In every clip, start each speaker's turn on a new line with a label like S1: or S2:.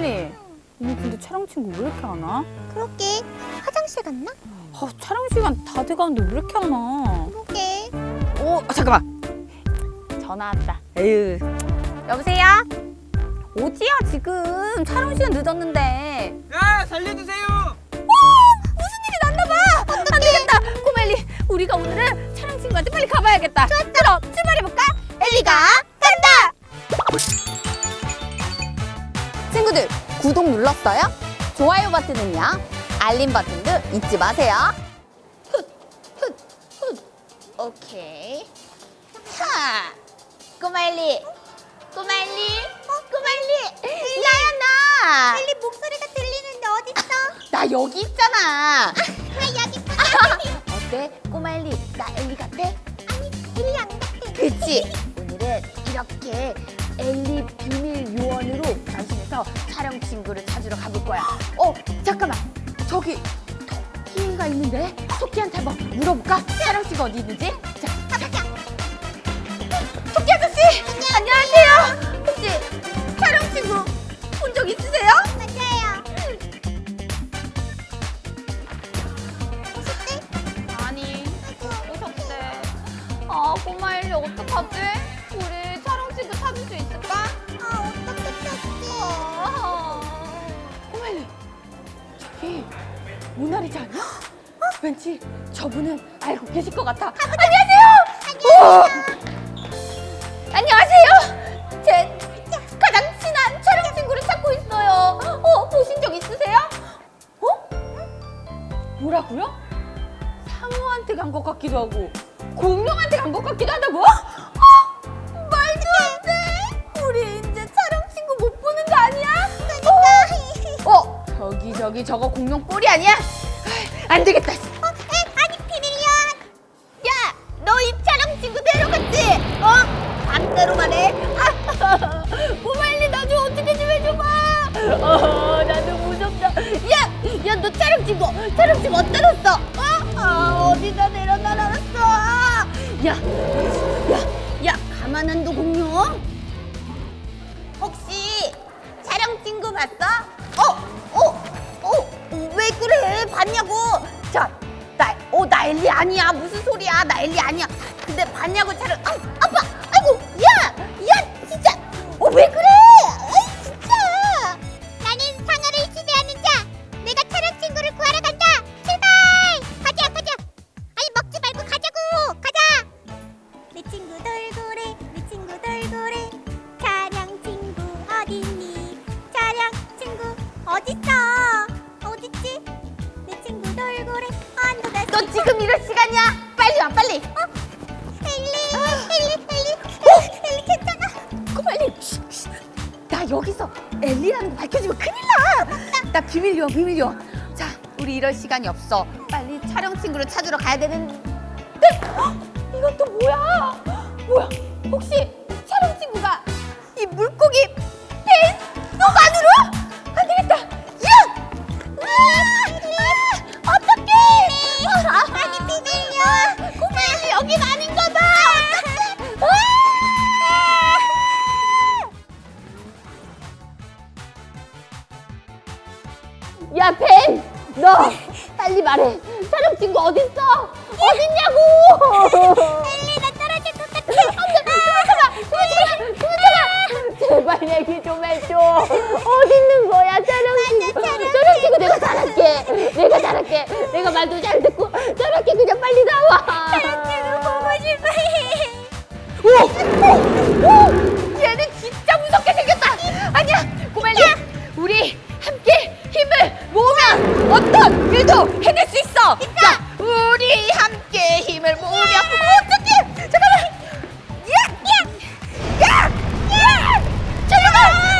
S1: 꼬말리, 오늘 근데 촬영 친구 왜 이렇게 안 와?
S2: 그러게. 화장실 갔나?
S1: 촬영 시간 다 돼가는데 왜 이렇게 안 와?
S2: 그러게.
S1: 잠깐만. 전화 왔다. 에휴. 여보세요? 어디야 지금? 촬영 시간 늦었는데.
S3: 야, 살려주세요.
S1: 무슨 일이 났나 봐. 안 되겠다. 꼬말리, 우리가 오늘은 촬영 친구한테 빨리 가봐야겠다. 그럼 출발해볼까? 엘리가 간다. 친구들, 구독 눌렀어요? 좋아요 버튼은요? 알림 버튼도 잊지 마세요. 오케이. 하. 꼬말리. 나야 나.
S2: 엘리 목소리가 들리는데 어딨어?
S1: 나 여기 있잖아.
S2: 나 여기 있구나.
S1: 어때? 꼬말리, 나 엘리 같아?
S2: 아니, 엘리 안 같아.
S1: 그치? 오늘은 이렇게 엘리 비밀 요원으로 변신해서 촬영 친구를 찾으러 가볼 거야. 잠깐만. 저기 토끼가 있는데? 토끼한테 한번 물어볼까? 촬영 친구 어디 있는지? 자,
S2: 가보자.
S1: 토끼 아저씨! 안녕하세요. 혹시 촬영 친구 본 적 있으세요?
S2: 맞아요.
S1: 아니, 오셨대. 꼬마일리 어떡하지? 우리 촬영 친구 찾을 수 있을까?
S2: 어떻게 찾지?
S1: 꼬마일리, 저기 모나리자 아니야? 왠지 저분은 알고 계실 것 같아. 안녕하세요. 안녕하세요. 제 가장 친한 촬영 친구를 찾고 있어요. 보신 적 있으세요? 뭐라고요? 상어한테 간 것 같기도 하고 공룡한테 간 것 같기도 하다고? 말도 안 돼. 우리 이제 촬영 친구 못 보는 거 아니야? 저기 저거 공룡 뿔이 아니야? 안 되겠다.
S2: 아니, 비밀이야.
S1: 야, 너 이 촬영 친구 데려갔지? 반대로 말해. 꼬말리, 나 좀 어떻게 좀 해줘봐. 나도 무섭다. 야, 너 촬영 친구 어디다 놨어? 어디다 내려놔놨어? 야, 가만 안 둬, 공룡. 혹시 촬영 친구 봤어? 왜 그래? 봤냐고? 자, 나 엘리 아니야. 무슨 소리야? 나 엘리 아니야. 근데 봤냐고 촬영. 아빠, 아이고, 야, 진짜. 왜 그래? 아이, 진짜.
S2: 나는 상어를 지배하는 자. 내가 촬영 친구를 구하러 간다. 출발! 가자. 아니, 먹지 말고 가자고. 가자. 내 친구 돌고래. 촬영 친구 어딨니? 촬영 친구 어딨어? 어딨지? 내 친구 돌고래.
S1: 너 지금 이럴 시간이야? 빨리 와, 빨리.
S2: 엘리 괜찮아?
S1: 빨리. 나 여기서 엘리라는 거 밝혀지면 큰일 나. 나 비밀 요원. 자, 우리 이럴 시간이 없어. 빨리 촬영 친구를 찾으러 가야 되는데. 이건 또 뭐야? 혹시 촬영 친구가 이 물고기 배 속 안으로? 안 되겠다. 어떡해!
S2: 아니, 비밀이야.
S1: 꼬마야, 여긴 아닌가 봐. 야, 벤! 너 빨리 말해. 촬영 친구 어딨어? 어딨냐고!
S2: 엘리, 나 떨어질 것 같아.
S1: 그만! 제발 얘기 좀 해줘. 어디 있는 거야, 촬영 친구? 촬영 친구 내가 잘할게. 내가 말도 잘 듣고 잘할게. 그냥 빨리 나와.
S2: 촬영 보고 싶어.
S1: 얘는 진짜 무섭게 생겼다. 아니야, 꼬말리. 우리 함께 힘을 모으면 어떤 일도 해낼 수 있어. 자, 우리 함께 힘을 모으면 어떡해? 잠깐만. 야! 잠깐만.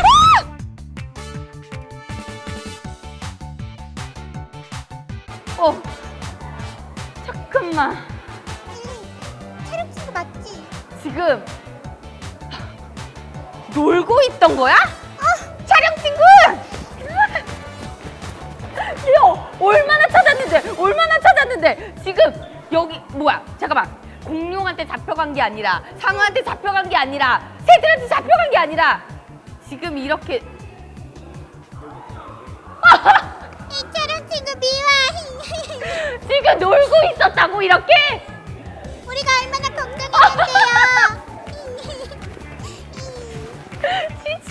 S1: 잠깐만.
S2: 촬영 친구 맞지?
S1: 지금 놀고 있던 거야? 촬영 친구! 야, 얼마나 찾았는데 지금 여기 뭐야? 잠깐만. 공룡한테 잡혀간 게 아니라 상어한테 잡혀간 게 아니라 새들한테 잡혀간 게 아니라 지금 이렇게
S2: 촬영 친구 미워.
S1: 지금 놀고 있었다고 이렇게?
S2: 우리가 얼마나 걱정했는데요.
S1: 진짜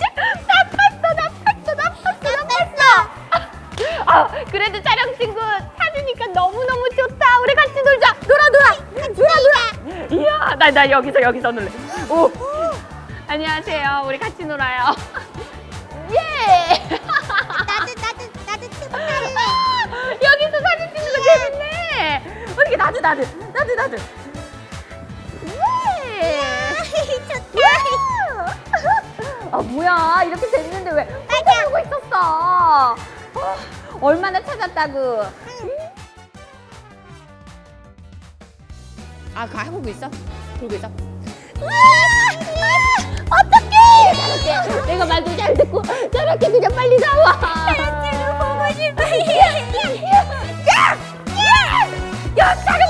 S1: 나빴어. 아, 그래도 촬영 친구 찾으니까 너무너무 좋다. 우리 같이 놀자. 놀아. 이야, 나 여기서 놀래. 오. 안녕하세요. 우리 같이 놀아요. 예.
S2: 나도 튜브 탈래.
S1: 여기서 사진 찍는 거 재밌네. 어떻게 나도. 예.
S2: 좋다.
S1: 아 뭐야 이렇게 됐는데 왜 헛하고 있었어? 얼마나 찾았다고? 아 그거 해보고 있어? 그러고 있어? 어떡해! 내가 말도 잘 듣고 저렇게 그냥 빨리 나와.
S2: 촬영 친구 보고 싶어.
S1: 야! 촬영